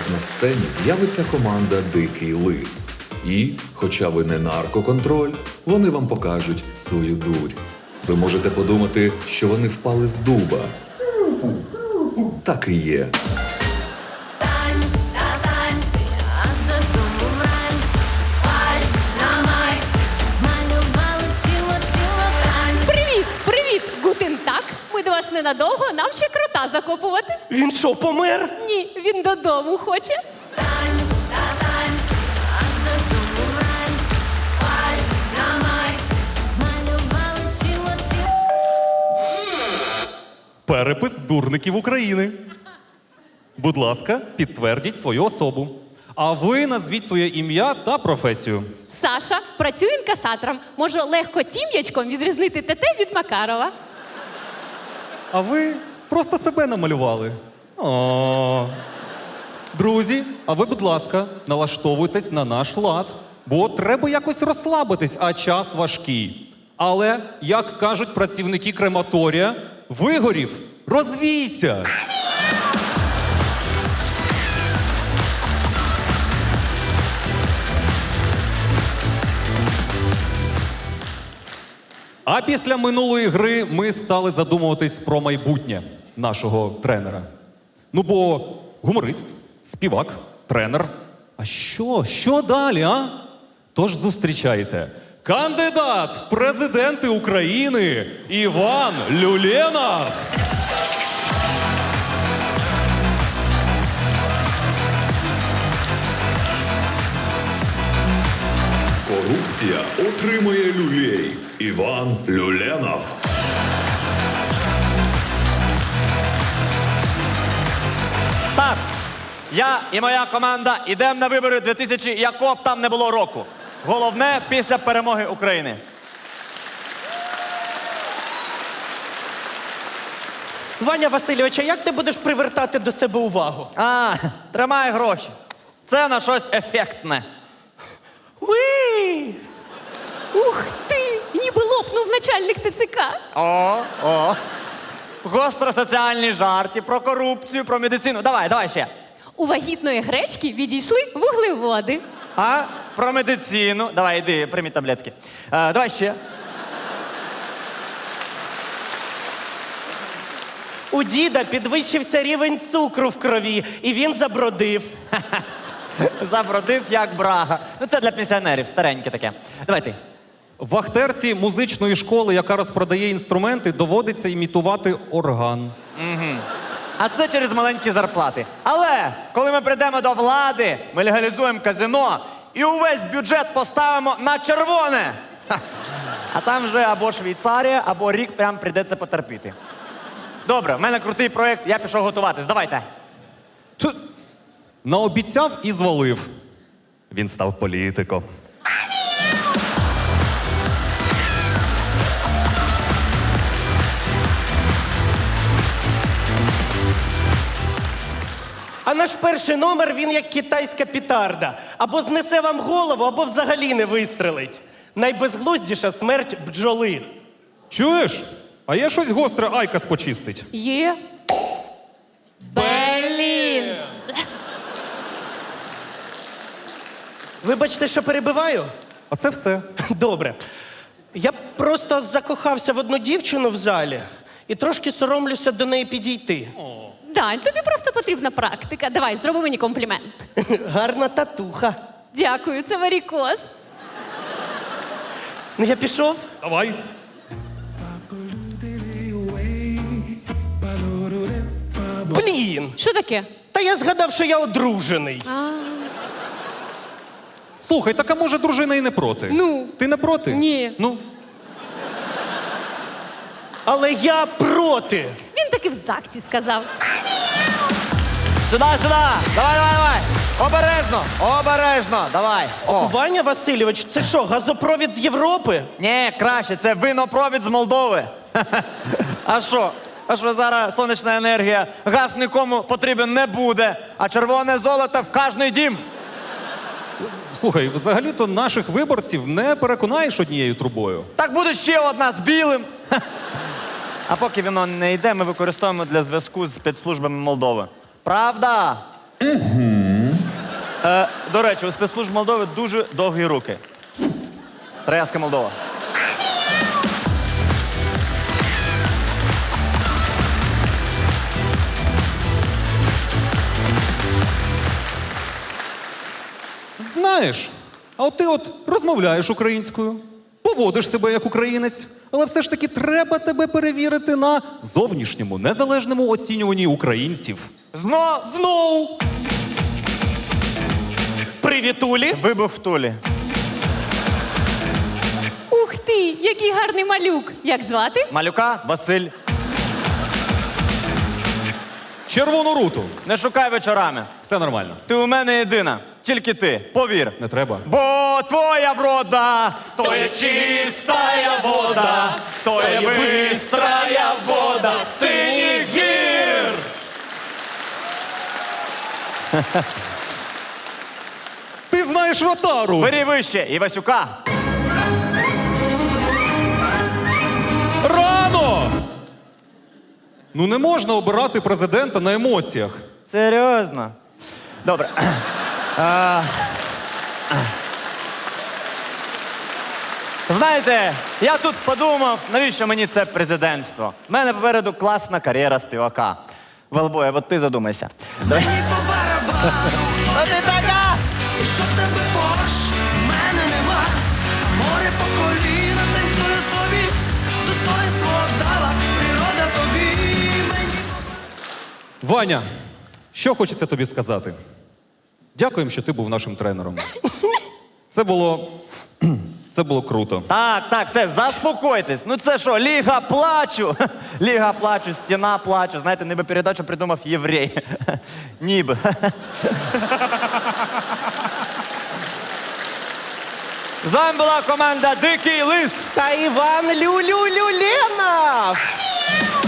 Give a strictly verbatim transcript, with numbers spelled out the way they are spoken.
вас на сцені з'явиться команда «Дикий лис». І, хоча ви не наркоконтроль, вони вам покажуть свою дурь. Ви можете подумати, що вони впали з дуба. Так і є. Танці та танці, а додому вранці. Пальці на майці, малювали ціло-ціло танці. Привіт, привіт, гутен так. Ми до вас ненадовго, нам ще крота закопувати. Він що, помер? Ні, він додому хоче. Танці та танці, а додому вранці. Пальці на майці, малювали ціло-ціло. Перепис дурників України. Будь ласка, підтвердіть свою особу. А ви назвіть своє ім'я та професію. Саша працює інкасатором. Може легко тім'ячком відрізнити Тете від Макарова. А ви просто себе намалювали. О. Друзі, а ви, будь ласка, налаштовуйтесь на наш лад, бо треба якось розслабитись, а час важкий. Але, як кажуть працівники крематорія, вигорів, розвійся! А після минулої гри ми стали задумуватись про майбутнє нашого тренера. Ну, бо гуморист, співак, тренер. А що? Що далі, а? Тож зустрічайте. Кандидат в президенти України Іван Люленов. Корупція отримує люлей. Іван Люленов. Так, я і моя команда йдемо на вибори дві тисячі, якого б там не було року. Головне – після перемоги України. Ваня Васильович, а як ти будеш привертати до себе увагу? А, тримай гроші. Це на щось ефектне. Уї! Ух ти! Ніби лопнув начальник ТЦК. О, о. Гостросоціальні жарти про корупцію, про медицину. Давай, давай ще. У вагітної гречки відійшли вуглеводи. А? Про медицину. Давай, йди, прийми таблетки. А, давай ще. У діда підвищився рівень цукру в крові, і він забродив. Забродив, як брага. Ну, це для пенсіонерів, стареньке таке. Давай ти. Вахтерці музичної школи, яка розпродає інструменти, доводиться імітувати орган. А це через маленькі зарплати. Але коли ми прийдемо до влади, ми легалізуємо казино і увесь бюджет поставимо на червоне. Ха. А там вже або Швейцарія, або рік прям прийдеться потерпіти. Добре, в мене крутий проєкт, я пішов готуватись. Давайте. Т- Наобіцяв і звалив. Він став політиком. А наш перший номер, він як китайська пітарда. Або знесе вам голову, або взагалі не вистрелить. Найбезглуздіша смерть бджоли. Чуєш? А є щось гостре Айкас почистить. Є. Блін. Вибачте, що перебиваю? А це все. Добре. Я просто закохався в одну дівчину в залі і трошки соромлюся до неї підійти. Дань, тобі просто потрібна практика. Давай, зроби мені комплімент. Гарна татуха. Дякую, це варікоз. Ну, я пішов. Давай. Блін! Що таке? Та я згадав, що я одружений. А, Слухай, так а може дружина і не проти? Ну? Ти не проти? Ні. Ну, Але я проти. він таки в ЗАГСі сказав. Сюди, сюди! Давай, давай, давай! Обережно! Обережно! Давай! О. Ваня Васильович, це що, газопровід з Європи? Ні, краще, це винопровід з Молдови. А що? А що зараз сонячна енергія, газ нікому потрібен не буде, а червоне золото в кожний дім. слухай, взагалі-то наших виборців не переконаєш однією трубою. Так буде ще одна з білим. А поки воно не йде, ми використовуємо для зв'язку з спецслужбами Молдови. Правда? Угу. Е, до речі, у спецслужб Молдови дуже довгі руки. Троянська Молдова. Знаєш, а от ти от розмовляєш українською, поводиш себе як українець, але все ж таки треба тебе перевірити на зовнішньому, незалежному оцінюванні українців. Зно! Знову! Привітулі. Вибух в Тулі. Ух ти, який гарний малюк! Як звати? Малюка Василь. Червону руту. Не шукай вечорами. Все нормально. Ти у мене єдина. Тільки ти. Повір. Не треба. Бо твоя врода, то є чистая вода, то є бистрая вода синіх гір. Ти знаєш Ротару! Бери вище, Івасюка. Рано! Ну не можна обирати президента на емоціях. Серйозно? Добре. А, Знаєте, я тут подумав, навіщо мені це президентство? У мене попереду класна кар'єра співака. Велбоя, от ти задумайся. Давай. А ти така! І що в тебе поруч, мене нема, море по коліна танцює собі, достоинство дала природа тобі, мені. Ваня, що хочеться тобі сказати? Дякуємо, що ти був нашим тренером. Це було. Це було круто. Так, так, все, заспокойтесь. Ну це що, Ліга плачу? Ліга плачу, стіна плачу. Знаєте, ніби передачу придумав єврей. Ніби. З вами була команда Дикий Лис. Та Іван Люлю-Люленов.